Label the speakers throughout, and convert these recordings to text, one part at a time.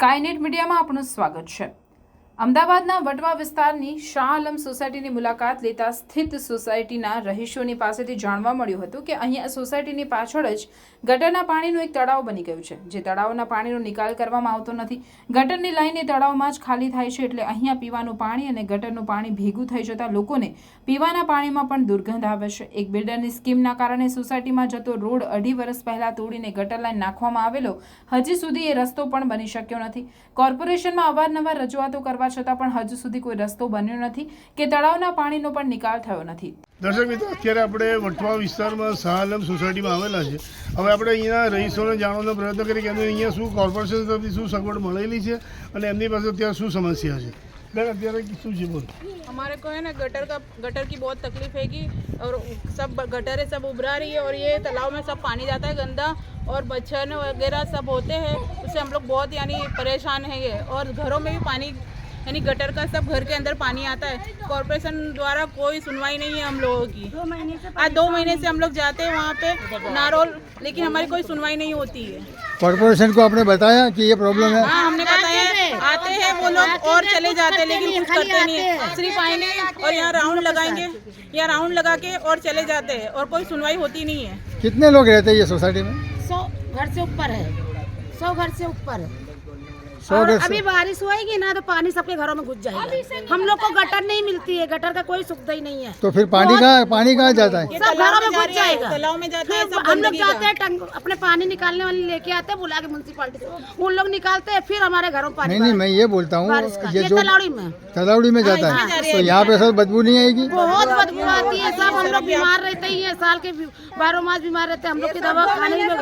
Speaker 1: Skynet મીડિયામાં આપનું સ્વાગત છે। અમદાવાદના વટવા વિસ્તારની શાહ આલમ સોસાયટીની મુલાકાત લેતા સ્થિત સોસાયટીના રહીશોની પાસેથી જાણવા મળ્યું હતું કે અહીંયા સોસાયટીની પાછળ જ ગટરના પાણીનું એક તળાવ બની ગયું છે, જે તળાવના પાણીનો નિકાલ કરવામાં આવતો નથી। ગટરની લાઈન એ તળાવમાં જ ખાલી થાય છે, એટલે અહીંયા પીવાનું પાણી અને ગટરનું પાણી ભેગું થઈ જતા લોકોને પીવાના પાણીમાં પણ દુર્ગંધ આવે છે। એક બિલ્ડરની સ્કીમના કારણે સોસાયટીમાં જતો રોડ 2.5 વર્ષ પહેલા તોડીને ગટર લાઈન નાખવામાં આવેલો હજી સુધી એ રસ્તો પણ બની શક્યો નથી। કોર્પોરેશનમાં અવારનવાર રજૂઆતો કરવા છતાં પણ હજુ સુધી કોઈ રસ્તો બન્યો નથી કે તળાવના પાણીનો પણ નિકાલ થયો નથી।
Speaker 2: દર્શક મિત્રો, અત્યારે આપણે વટવા વિસ્તારમાં શાહ આલમ સોસાયટીમાં આવેલા છે। હવે આપણે અહીંયા રહીશોને જાણવાનો પ્રયત્ન કરીએ કે એમને અહીંયા શું કોર્પોરેશન તરફથી શું સગવડ મળેલી છે અને એમની પાસે અત્યારે શું સમસ્યા છે। બેન, અત્યારે શું છે બોલ?
Speaker 3: हमारे को है ना गटर की बहुत तकलीफ हैगी और सब गटरें सब उभरा रही है और ये तालाब में सब पानी जाता है गंदा और मच्छर वगैरह सब होते हैं, उससे हम लोग बहुत यानी परेशान हैं। और घरों में भी पानी यानी गटर का सब घर के अंदर पानी आता है। कॉर्पोरेशन द्वारा कोई सुनवाई नहीं है हम लोगों की। आज 2 महीने से हम लोग जाते हैं वहाँ पे नारोल, लेकिन हमारी कोई सुनवाई नहीं होती है।
Speaker 4: कॉर्पोरेशन को आपने बताया कि ये प्रॉब्लम है?
Speaker 3: हाँ, हमने बताया, आते हैं वो लोग और चले जाते हैं, लेकिन कुछ करते नहीं है। सिर्फ आएंगे और यहाँ राउंड लगाएंगे, यहाँ राउंड लगा के और चले जाते हैं और कोई सुनवाई होती नहीं है।
Speaker 4: कितने लोग रहते हैं ये सोसाइटी में?
Speaker 5: 100 घर से ऊपर है, 100 घर से ऊपर है।
Speaker 4: 100
Speaker 5: और
Speaker 4: घर से?
Speaker 5: अभी बारिश होएगी ना तो पानी सबके घरों में घुस जाएगा। हम लोग को गटर नहीं मिलती है, गटर का कोई सुविधा ही नहीं है।
Speaker 4: तो फिर पानी कहाँ जाता है?
Speaker 5: सब घरों में घुस जाएगा।
Speaker 3: तालाब में जाता है
Speaker 5: फिर
Speaker 3: सब
Speaker 5: हम लोग
Speaker 3: गंदगी का।
Speaker 5: जाते हैं अपने पानी निकालने वाले लेके आते हैं, बुला के म्यूनसिपालिटी से उन लोग निकालते हैं, फिर हमारे घरों में पानी
Speaker 4: नहीं, मैं ये बोलता हूँ,
Speaker 5: बारिश का।
Speaker 4: ये
Speaker 5: ये
Speaker 4: जो
Speaker 5: तलावड़ी में
Speaker 4: जाता है तो यहाँ पे सब बदबू नहीं आएगी?
Speaker 5: बहुत बदबू आती है। सब हम लोग बीमार रहते ही हैं, साल के 12 मास बीमार रहते हैं। हम लोग की दवा खाने में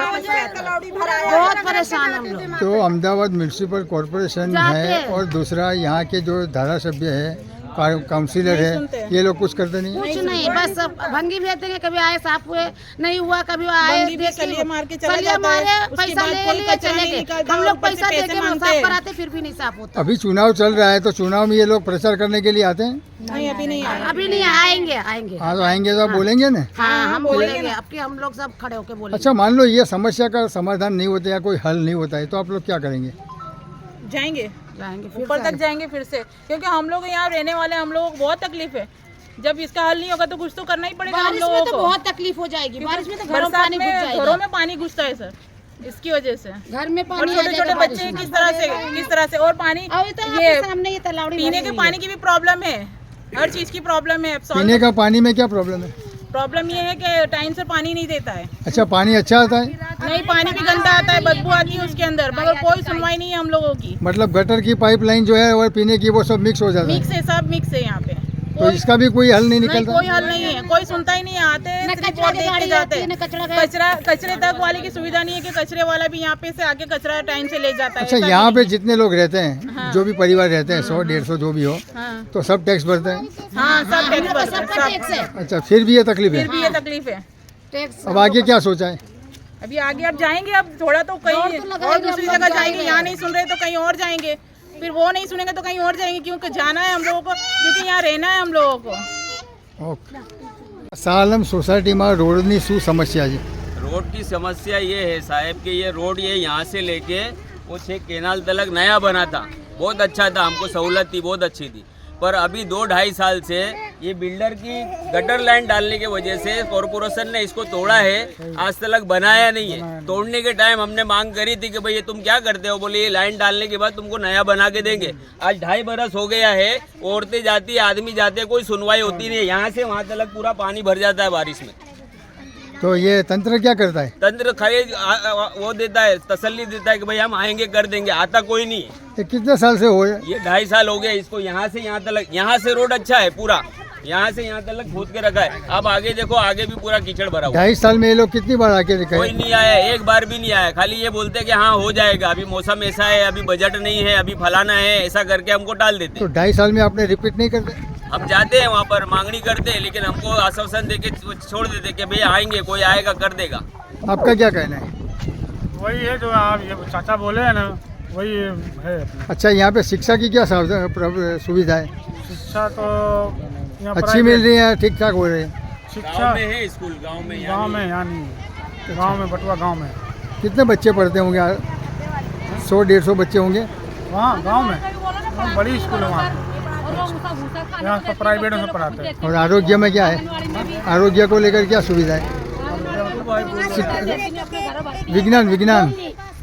Speaker 5: बहुत परेशान हम लोग।
Speaker 4: तो अहमदाबाद म्यूनसिपल कॉर्पोरेशन है और दूसरा यहाँ के जो धारासभ्य है, काउंसिलर है, ये लोग कुछ करते नहीं?
Speaker 5: कुछ नहीं, बस भंगी भेज देंगे। कभी आए साफ हुए नहीं हुआ, कभी आए
Speaker 3: सलिए मार के चला
Speaker 5: सलिए
Speaker 3: जाता है,
Speaker 5: मारे,
Speaker 3: उसके
Speaker 5: पैसा
Speaker 3: बाद
Speaker 5: ले
Speaker 3: कोई
Speaker 5: लिए
Speaker 3: कचरा
Speaker 5: चले
Speaker 3: नहीं
Speaker 5: गए।
Speaker 3: निकालता
Speaker 5: हम
Speaker 3: और
Speaker 5: लोग
Speaker 3: ऊपर से
Speaker 5: पैसा
Speaker 3: पैसे
Speaker 5: देके
Speaker 3: मांगते
Speaker 5: साफ
Speaker 3: हैं।
Speaker 5: कराते फिर भी नहीं साफ होता।
Speaker 4: अभी चुनाव चल रहा है तो चुनाव में ये लोग प्रचार करने के लिए आते हैं?
Speaker 3: नहीं, अभी नहीं आया।
Speaker 5: अभी नहीं आएंगे।
Speaker 4: हाँ, तो आएंगे तो आप बोलेंगे ना?
Speaker 5: हाँ, हम बोलेंगे। अब की हम लोग सब खड़े होके बोलेंगे।
Speaker 4: अच्छा, मान लो ये समस्या का समाधान नहीं होता या कोई हल नहीं होता है तो आप लोग क्या करेंगे?
Speaker 3: जाएंगे
Speaker 5: जाएंगे
Speaker 3: ऊपर तक जाएंगे फिर से, क्योंकि हम लोग यहाँ रहने वाले, हम लोगों को बहुत तकलीफ है। जब इसका हल नहीं होगा तो कुछ तो करना ही पड़ेगा हम
Speaker 5: बारिश में
Speaker 3: लोगों
Speaker 5: तो
Speaker 3: को।
Speaker 5: बहुत तकलीफ हो जाएगी। बारिश में तो घरों में
Speaker 3: बरसात
Speaker 5: पानी घुस
Speaker 3: में
Speaker 5: जाएगा।
Speaker 3: घरों में पानी घुसता है सर, इसकी वजह से।
Speaker 5: घर में
Speaker 3: और
Speaker 5: पानी आ
Speaker 3: छोटे
Speaker 5: जाएगा
Speaker 3: छोटे
Speaker 5: बारिश
Speaker 3: बच्चे
Speaker 5: में।
Speaker 3: किस तरह से और पानी
Speaker 5: अभी तो
Speaker 3: ये
Speaker 5: आपके सामने ये तलावड़ी
Speaker 3: पीने
Speaker 5: भरी
Speaker 3: के
Speaker 5: हुई
Speaker 3: पानी की भी प्रॉब्लम है, हर चीज की प्रॉब्लम है।
Speaker 4: पीने का पानी में क्या प्रॉब्लम है?
Speaker 3: प्रॉब्लम ये है कि टाइम से पानी नहीं देता है।
Speaker 4: अच्छा, पानी अच्छा आता है?
Speaker 3: नहीं, पानी भी गंदा आता है, बदबू आती है उसके अंदर, मगर कोई सुनवाई नहीं है हम लोगों की।
Speaker 4: मतलब गटर की पाइपलाइन जो है और पीने की वो सब मिक्स हो जाता है?
Speaker 3: मिक्स है, सब मिक्स है यहाँ पे।
Speaker 4: तो इसका भी कोई हल नहीं
Speaker 3: नहीं,
Speaker 4: निकलता?
Speaker 3: कोई हल नहीं है, कोई सुनता ही नहीं है। आते हैं,
Speaker 5: न
Speaker 3: सिर्फ
Speaker 5: कचरा
Speaker 3: वोट
Speaker 5: की
Speaker 3: देख के
Speaker 5: गाड़ी
Speaker 3: जाते
Speaker 5: आती है,
Speaker 3: हैं।
Speaker 5: न कचरा
Speaker 3: कचरे तक वाले की सुविधा नहीं है कि कचरे वाला भी यहाँ पे से आके कचरा टाइम से ले जाता है।
Speaker 4: अच्छा,
Speaker 3: ऐसा
Speaker 4: यहाँ
Speaker 3: भी
Speaker 4: पे
Speaker 3: नहीं
Speaker 4: जितने लोग रहते हैं,
Speaker 3: हाँ।
Speaker 4: जो भी परिवार रहते हैं, 100-150 जो भी हो,
Speaker 3: है। हाँ,
Speaker 4: तो सब टैक्स भरते हैं?
Speaker 3: हाँ, सब टैक्स
Speaker 5: हम लोग
Speaker 3: भरते हैं,
Speaker 5: सबका टैक्स
Speaker 3: सब।
Speaker 5: है।
Speaker 4: अच्छा, फिर भी ये तकलीफ है?
Speaker 3: फिर भी ये तकलीफ है।
Speaker 5: टैक्स
Speaker 4: अब आगे क्या सोचा है?
Speaker 3: अभी आगे अब जाएंगे, अब थोड़ा तो कहीं
Speaker 5: दौड़ तो लगाएंगे,
Speaker 3: और दूसरी
Speaker 5: हम लोग
Speaker 3: जगह जाएंगे।
Speaker 5: जाएंगे।
Speaker 3: यहाँ नहीं सुन रहे तो कहीं और जाएंगे, फिर वो नहीं सुनेंगे तो कहीं और जाएंगे, क्योंकि जाना है हम लोगों को, क्योंकि यहाँ रहना है हम लोगों को।
Speaker 4: ओके। શાહ આલમ સોસાયટીમાં રોડની શું સમસ્યા છે?
Speaker 6: रोड की समस्या ये है साहब कि ये रोड ये यहाँ से लेके वो 6 केनाल तलक नया बना था, बहुत अच्छा था, हमको सहूलत थी, बहुत अच्छी थी। पर अभी 2-2.5 साल से ये बिल्डर की गटर लाइन डालने की वजह से कॉर्पोरेशन ने इसको तोड़ा है, आज तक बनाया नहीं है। तोड़ने के टाइम हमने मांग करी थी कि भाई ये तुम क्या करते हो? बोले ये लाइन डालने के बाद तुमको नया बना के देंगे। आज 2.5 बरस हो गया है, औरतें जाती है, आदमी जाते हैं, कोई सुनवाई होती नहीं है। यहाँ से वहाँ तक पूरा पानी भर जाता है बारिश में।
Speaker 4: तो ये तंत्र क्या करता है?
Speaker 6: तंत्र खाली वो देता है, तसल्ली देता है कि भाई हम आएंगे कर देंगे, आता कोई नहीं है।
Speaker 4: ये कितने साल से हो?
Speaker 6: ये 2.5 साल हो गया इसको। यहाँ से यहाँ तक, यहाँ से रोड अच्छा है पूरा, यहाँ से यहाँ तक खोद के रखा है। अब आगे देखो, आगे भी पूरा कीचड़ भरा हुआ है।
Speaker 4: 2.5 साल में ये लोग कितनी बार आके दिखाए?
Speaker 6: कोई नहीं आया, एक बार भी नहीं आया। खाली ये बोलते हैं कि हाँ हो जाएगा, अभी मौसम ऐसा है, अभी बजट नहीं है, अभी फलाना है, ऐसा करके हमको टाल देते
Speaker 4: तो
Speaker 6: हैं।
Speaker 4: 2.5 साल में आपने रिपीट नहीं करते?
Speaker 6: हम जाते हैं वहाँ पर, मांगनी करते हैं, लेकिन हमको आश्वासन देके छोड़ देते कि भैया आएंगे, कोई आएगा कर देगा।
Speaker 4: आपका क्या कहना है?
Speaker 2: वही है जो आप ये चाचा बोले हैं ना, वही है।
Speaker 4: अच्छा, यहाँ पे शिक्षा की क्या सुविधा है?
Speaker 2: शिक्षा तो यहाँ
Speaker 4: अच्छी मिल रही है, ठीक ठाक हो रही है?
Speaker 2: शिक्षा
Speaker 6: गाँव में है स्कूल, गाँव में यहाँ
Speaker 2: गाँव
Speaker 6: नहीं
Speaker 2: में
Speaker 6: है।
Speaker 2: यहाँ नहीं है। गाँव में, बटुआ गाँव में
Speaker 4: कितने बच्चे पढ़ते होंगे? 100-150 बच्चे होंगे?
Speaker 7: वहाँ गांव में बड़ी स्कूल है वहाँ, यहाँ सब प्राइवेट में पढ़ाते हैं।
Speaker 4: और आरोग्य में क्या है, आरोग्य को लेकर क्या सुविधा है? विज्ञान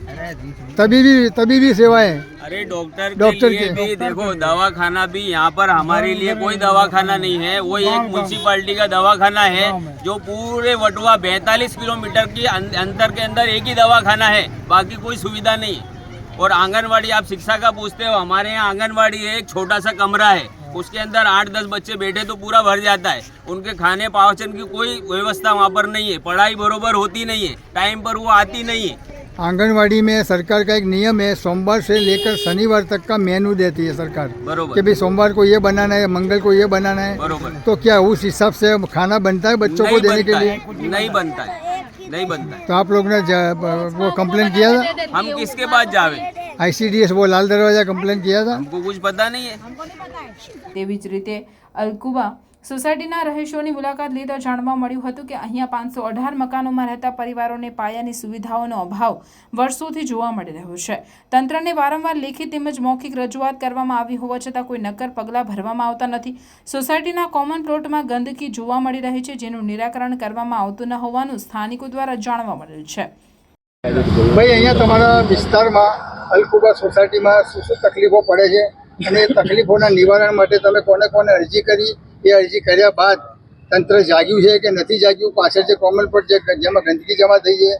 Speaker 4: तभी भी सेवाएं।
Speaker 6: अरे डॉक्टर के लिए भी देखो, दवाखाना भी यहाँ पर हमारे लिए कोई दवाखाना नहीं है, वो एक म्यूनसिपालिटी का दवाखाना है जो पूरे वटवा 42 किलोमीटर की अंतर के अंदर एक ही दवाखाना है, बाकी कोई सुविधा नहीं है। और आंगनवाड़ी, आप शिक्षा का पूछते हो, हमारे यहाँ आंगनवाड़ी है, एक छोटा सा कमरा है, उसके अंदर 8-10 बच्चे बैठे तो पूरा भर जाता है। उनके खाने पाचन की कोई व्यवस्था वहाँ पर नहीं है, पढ़ाई बरोबर होती नहीं है, टाइम पर वो आती नहीं है।
Speaker 4: आंगनवाड़ी में सरकार का एक नियम है, सोमवार से लेकर शनिवार तक का मेनू देती है सरकार,
Speaker 6: बरोबर
Speaker 4: कि भाई सोमवार को ये बनाना है, मंगल को ये बनाना है।
Speaker 6: बरोबर।
Speaker 4: तो क्या उस हिसाब से खाना बनता है बच्चों को देने के लिए?
Speaker 6: नहीं बनता है।
Speaker 4: तो आप लोग ने वो कंप्लेन किया था?
Speaker 6: हम किसके पास जावे?
Speaker 4: ICDS वो लाल दरवाजा कंप्लेन किया था?
Speaker 6: हमको कुछ पता नहीं है।
Speaker 1: તેવી જ રીતે અલકુબા સોસાયટીના રહીશોની મુલાકાત લેતા જાણવા મળ્યું હતું કે અહીંયા 518 મકાનોમાં રહેતા પરિવારોને પાયાની સુવિધાઓનો અભાવ વર્ષોથી જોવા મળી રહ્યો છે। તંત્રને વારંવાર લેખિત તેમજ મૌખિક રજૂઆત કરવામાં આવી હોવા છતાં કોઈ નક્કર પગલાં ભરવામાં આવતા નથી। સોસાયટીના કોમન પ્લોટમાં ગંદકી જોવા મળી રહી છે, જેનું નિરાકરણ કરવામાં આવતું ન હોવાનું સ્થાનિકો દ્વારા જાણવા મળેલ છે।
Speaker 4: ભાઈ, અહીંયા તમારા વિસ્તારમાં અલકુબા સોસાયટીમાં શું તકલીફો પડે છે અને તકલીફોના નિવારણ માટે તમે કોને કોને અરજી કરી? એ અરજી કર્યા બાદ તંત્ર જાગ્યું છે કે નથી જાગ્યું? પાછળ જે કોમન પ્લોટ જેમાં ગંદકી જમા થઈ છે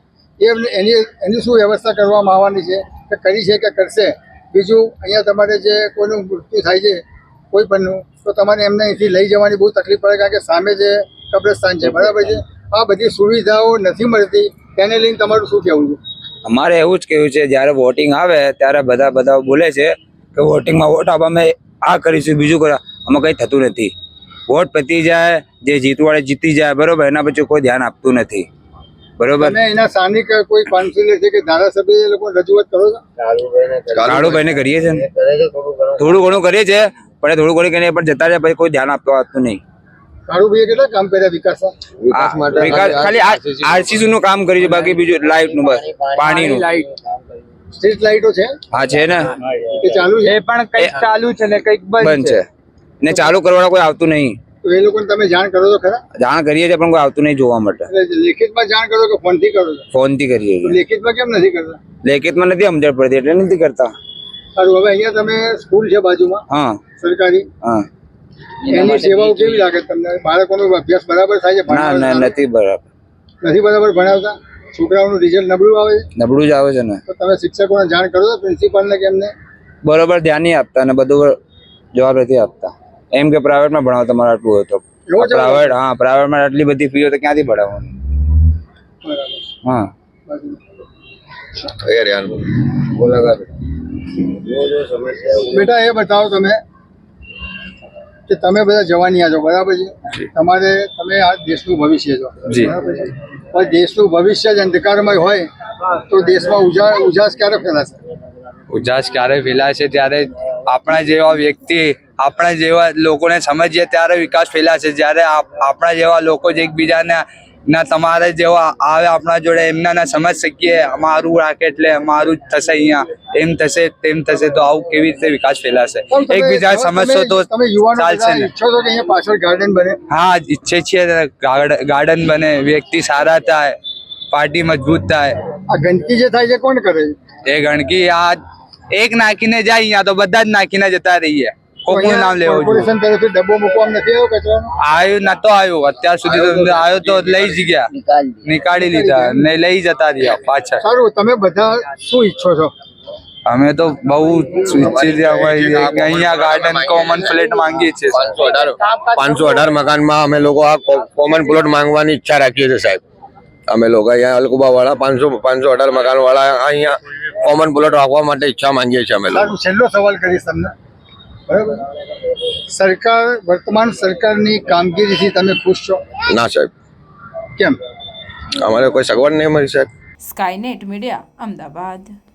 Speaker 4: એની શું વ્યવસ્થા કરવામાં આવવાની છે કે કરી છે કે કરશે? બીજું, અહીંયા તમારે જે કોઈનું મૃત્યુ થાય છે કોઈ પણનું, તો તમારે એમને અહીંથી લઈ જવાની બહુ તકલીફ પડે, કારણ કે સામે જે કબ્રસ્તાન છે, બરાબર છે? આ બધી સુવિધાઓ નથી મળતી, તેને લઈને તમારું શું કહેવું છે?
Speaker 8: અમારે એવું જ કહેવું છે, જ્યારે વોટિંગ આવે ત્યારે બધા બોલે છે કે વોટિંગમાં વોટ આપવા અમે આ કરીશું, બીજું કરવા, આમાં કંઈ થતું નથી। વોટ પતી જાય, જે જીતવાળે જીતી જાય, બરોબર, એના પછી કોઈ ધ્યાન આપતું નથી, બરોબર।
Speaker 4: તમે એના સ્થાનિક કોઈ કાઉન્સિલર છે કે ધારાસભ્ય એ લોકો રજૂઆત કરો છો?
Speaker 8: કાળુભાઈને કરીએ છીએ ને, થોડું ઘણું કરીએ છીએ, પણ થોડું ઘણું કરીને પણ જતા રહ્યા, પછી કોઈ ધ્યાન આપતું નહીં।
Speaker 4: કાળુભાઈએ કેટલા કામ કર્યા વિકાસમાં?
Speaker 8: ખાલી RCC નું કામ કર્યું છે, બાકી બીજું લાઇટ નું, બસ પાણીનું।
Speaker 4: સ્ટ્રીટ લાઇટો છે?
Speaker 8: હા છે ને,
Speaker 4: એ ચાલુ છે?
Speaker 8: એ પણ કંઈક ચાલુ છે ને કંઈક બંધ છે ને, ચાલુ કરવાના કોઈ આવતું નહીં।
Speaker 4: તો એ લોકોને તમે જાણ કરો છો ખરા?
Speaker 8: જાણ કરીએ છીએ પણ કોઈ આવતું નહીં જોવા માટે।
Speaker 4: લેખિતમાં જાણ કરો કે ફોનથી કરો છો?
Speaker 8: ફોનથી કરીએ છીએ।
Speaker 4: લેખિતમાં કેમ નથી કરતા?
Speaker 8: લેખિતમાં નથી સમજણ પડતી એટલે નથી કરતા।
Speaker 4: સારું, હવે અહીંયા તમે સ્કૂલ છે બાજુમાં,
Speaker 8: હા
Speaker 4: સરકારી,
Speaker 8: હા,
Speaker 4: એની સેવાઓ કેવી લાગે તમને? બાળકોનો અભ્યાસ બરાબર થાય છે?
Speaker 8: ના નથી બરાબર,
Speaker 4: નથી બરાબર ભણાવતા? છોકરાઓનું રિઝલ્ટ નબળું આવે છે?
Speaker 8: નબળું જ આવે છે ને।
Speaker 4: તો તમે શિક્ષકોને જાણ કરો છો, પ્રિન્સિપાલને કે એમને?
Speaker 8: બરોબર ધ્યાન નહીં આપતા ને બધું જવાબ નથી આપતા, એમ કે પ્રાઇવેટમાં ભણાવો તમારે આટલું હોય તો પ્રાઇવેટ, હા પ્રાઇવેટમાં આટલી બધી ફી હોય તો ક્યાંથી ભણાવવાનું? હા
Speaker 4: બેટા, એ બતાવો તમે કે તમે બધા જવાનિયા છો, બરાબર છે? તમે આ દેશનું ભવિષ્ય છો, બરાબર છે? પણ દેશનું ભવિષ્ય જ અંધકારમય હોય તો દેશમાં ઉજાસ ક્યારે ફેલાશે?
Speaker 8: ઉજાસ ક્યારે ફેલાશે? ત્યારે આપણા જેવા વ્યક્તિ, આપણા જેવા લોકોને સમજીએ ત્યારે વિકાસ ફેલાશે। જ્યારે આપણા જેવા લોકો જ એકબીજાને ના તમારે જેવા આવે આપણા જોડે, એમના ના સમજ શકીએ, અમારું રાખે એટલે અમારું જ થશે, અહીંયા એમ થશે તેમ થશે, તો આવું કેવી રીતે વિકાસ ફેલાશે? એકબીજા સમજશો તો ચાલશે ને।
Speaker 4: ઈચ્છો છો કે અહીંયા પાછળ ગાર્ડન બને?
Speaker 8: હા ઈચ્છે છીએ, ગાર્ડન બને, વ્યક્તિ સારા થાય, પાર્ટી મજબૂત થાય।
Speaker 4: આ ગંદકી જે થાય છે કોણ કરે છે?
Speaker 8: એ ગંદકી આ એક નાખીને જાય, અહીંયા તો બધા જ નાખીને જતા રહીએ, કોકનું નામ લેવું જોઈએ।
Speaker 4: કોર્પોરેશન તરફથી ડબ્બો મૂકવામાં નથી આવ્યો કચરાનો?
Speaker 8: આવ્યું નતો આવ્યું અત્યાર સુધી, તો આવ્યો તો લઈ જ ગયા, નીકાળી લીધા ને લઈ જતા રહ્યા પાછા।
Speaker 4: સારું, તમે બધા શું ઈચ્છો છો?
Speaker 8: અમે તો બહુ ઈચ્છી રહ્યા કે અહીંયા ગાર્ડન કોમન પ્લેટ માંગીએ છીએ।
Speaker 9: 518 મકાનમાં અમે લોકો આ કોમન પ્લોટ માંગવાની ઈચ્છા રાખીએ છીએ સાહેબ। અમે લોકો અહીંયા અલકુબા વાળા 518 મકાન વાળા અહીંયા કોમન પ્લોટ રાખવા માટે ઈચ્છા માંગીએ છીએ અમે લોકો।
Speaker 4: સારું, છેલ્લો સવાલ કરીશ તમને, બરાબર? સરકાર, વર્તમાન સરકારની કામગીરીથી તમે ખુશ છો?
Speaker 9: ના સાહેબ,
Speaker 4: કેમ?
Speaker 9: અમારે કોઈ સગવડ નહીં મળી સાહેબ।
Speaker 1: Skynet media, Ahmedabad.